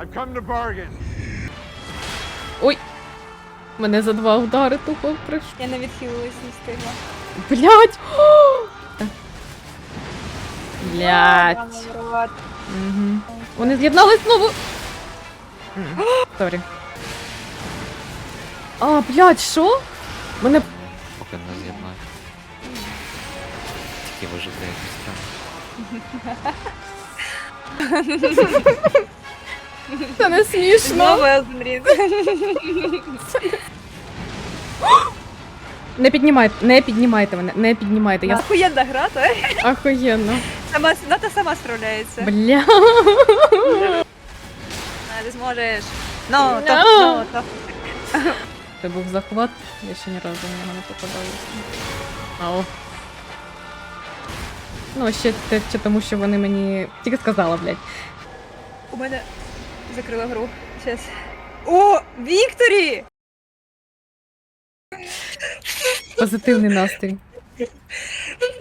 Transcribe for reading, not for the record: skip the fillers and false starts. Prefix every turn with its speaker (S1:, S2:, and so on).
S1: Ой! Мене за 2 удари тупо прийшло.
S2: Я не відхилилась, не встигла.
S1: Блять! Блять!
S2: Наоборот.
S1: Угу. Вони з'єднались знову! Сорі. А, блять, що? Мене...
S3: Поки не з'єднаю. Тільки вижити якось там.
S1: Це не смішно.
S2: Знову Елден.
S1: Не піднімайте мене, не піднімайте. Я
S2: Охуєнна гра, так?
S1: охуєнно.
S2: Ната сама справляється.
S1: Бля.
S2: Ти зможеш. Ну, то.
S1: Це був захват, я ще ні разу на нього не попадалася. Ау. Ну, ще тому, що вони мені... Тільки сказала, блядь.
S2: У мене закрила гру. Щас. О, Вікторі!
S1: Позитивний настрій.